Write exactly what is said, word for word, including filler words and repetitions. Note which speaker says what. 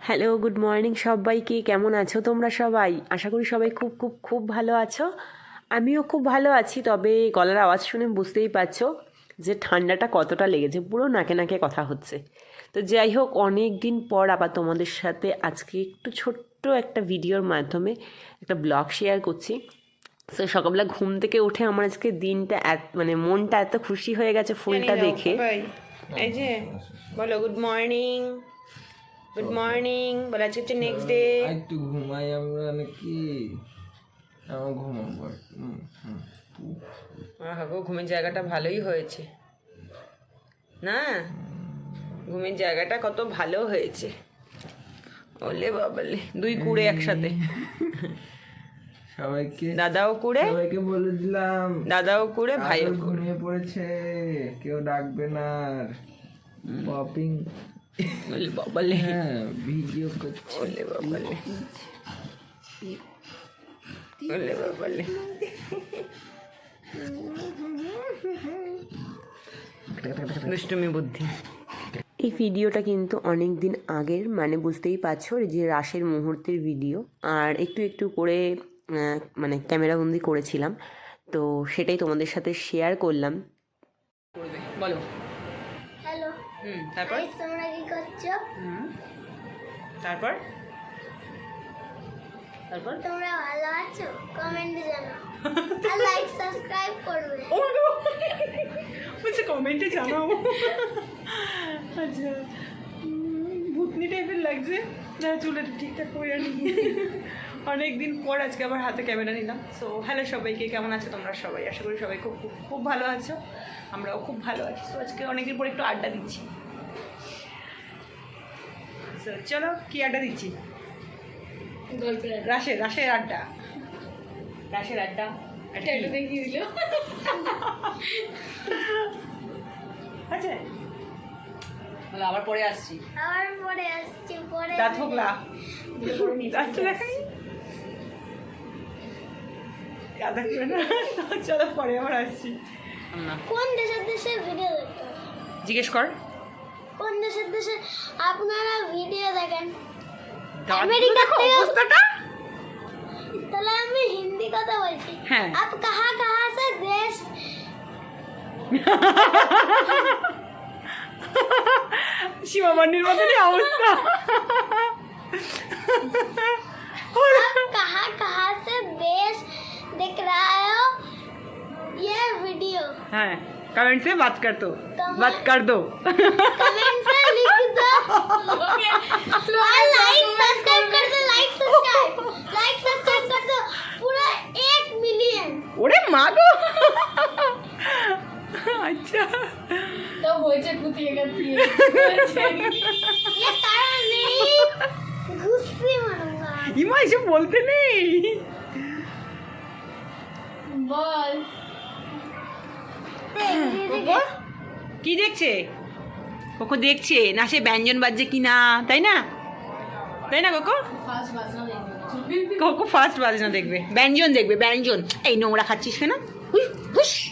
Speaker 1: Hello, good morning সবাইকে। কেমন আছো তোমরা সবাই? আশা করি সবাই খুব খুব খুব ভালো আছো। আমিও খুব ভালো আছি, তবে গলার আওয়াজ শুনে বুঝতেই পারছো যে ঠান্ডাটা কতটা লেগেছে, পুরো নাকে নাকে কথা হচ্ছে। তো যাই হোক, অনেক দিন পর আবার তোমাদের সাথে আজকে একটু ছোট্ট একটা ভিডিওর মাধ্যমে একটা ব্লগ শেয়ার করছি। তো সকালবেলা ঘুম থেকে উঠে আমার আজকে দিনটা এত মানে মনটা এত খুশি হয়ে গেছে ফুলটা দেখে।
Speaker 2: এই যে বলো গুড মর্নিং, গুড মর্নিং বলে আজকে হচ্ছে নেক্সট ডে।
Speaker 3: একটু ঘুমাই আমরা নাকি? আমার ঘুমাবো।
Speaker 2: গো ঘুমের জায়গাটা ভালোই হয়েছে না? ঘুমের জায়গাটা কত ভালো হয়েছে। ওলে বাবালে, দুই কুড়ে একসাথে।
Speaker 3: সবাইকে
Speaker 2: দাদাও কুড়ে,
Speaker 3: সবাইকে বলে দিলাম
Speaker 2: দাদাও কুড়ে, ভাইও কুড়ে।
Speaker 3: ঘুমিয়ে পড়েছে, কেউ ডাকবে না। পপিং
Speaker 2: ওলে বাবালে,
Speaker 3: হ্যাঁ ভিডিও করছে।
Speaker 2: ওলে বাবালে, ওলে বাবালে। দুষ্টুমি বুদ্ধি।
Speaker 1: এই ভিডিওটা কিন্তু অনেক দিন আগের, মানে বুঝতেই পারছো যে রাসের মুহূর্তের ভিডিও, আর একটু একটু করে আহ, মানে ক্যামেরাবন্দি করেছিলাম, তো সেটাই তোমাদের সাথে শেয়ার করলাম।
Speaker 2: করবে বলো।
Speaker 4: হ্যালো
Speaker 2: হুম তারপর
Speaker 4: গাইস, তোমরা কি করছো?
Speaker 2: হুম তারপর তারপর
Speaker 4: তোমরা ভালো আছো? কমেন্টে জানাও আর লাইক সাবস্ক্রাইব করবে।
Speaker 2: ও মা গো, বলছে কমেন্টে জানাও। আচ্ছা, উম, ভূতনি টাইপের লাগছে না, চুলটা ঠিকঠাক করে আনি। অনেক দিন পর আজকে আবার হাতে ক্যামেরা নিলাম। সো হ্যালো সবাইকে, কেমন আছো তোমরা সবাই? আশা করি সবাই খুব খুব খুব ভালো আছো, আমরাও খুব ভালো আছি। সো আজকে অনেকদিন পর একটু আড্ডা দিচ্ছি। সো চলো, কি আড্ডা দিচ্ছি? রাশের রাশের আড্ডা, রাশের আড্ডা। আচ্ছা বলো, আবার পরে আসছি।
Speaker 4: আবার পরে আসছি, পরে
Speaker 2: দাঁত হোকলা, দাঁত দেখাই কাদা করে না। চলো পরে আবার আসছি।
Speaker 4: কোন দেশের দেশে ভিডিও দেখতে?
Speaker 2: জিজ্ঞেস কর।
Speaker 4: কোন দেশের দেশে আপনারা ভিডিও দেখেন?
Speaker 2: দাঁত
Speaker 4: আমেরিকা
Speaker 2: দেখো
Speaker 4: থেকে-
Speaker 2: অবস্থাটা।
Speaker 4: তাহলে আমি হিন্দি কথা বলছি।
Speaker 2: হ্যাঁ।
Speaker 4: আপ কাহা কাহা সে দেশ?
Speaker 2: সীমা মান্ডির মতনই অবস্থা।
Speaker 4: आप कहाँ कहाँ से देश देख रहा हो ये वीडियो?
Speaker 2: হ্যাঁ, कमेंट से बात कर दो,
Speaker 4: Comment-
Speaker 2: बात कर दो।
Speaker 4: कमेंट से लिख दो और लाइक सब्सक्राइब कर दो, लाइक सब्सक्राइब लाइक सब्सक्राइब कर दो पूरा एक मिलियन।
Speaker 2: ওরে মা গো। আচ্ছা
Speaker 5: तो होचे कुतिएगा दिए
Speaker 4: ये तारा नहीं, गुस्से मारूंगा।
Speaker 2: ইমা এসব বলতে নেই।
Speaker 5: बॉल
Speaker 2: কোকো কি দেখছে? কোকো দেখছে না সে ব্যঞ্জন বাজছে কি না, তাই না? তাই না কোকো?
Speaker 5: फास्ट बाजना देंगे
Speaker 2: কোকো ফার্স্ট বাজনা দেখবে, ব্যঞ্জন দেখবে, ব্যঞ্জন। এই নোংরা খাচ্ছিস কেন? হুই, হুস।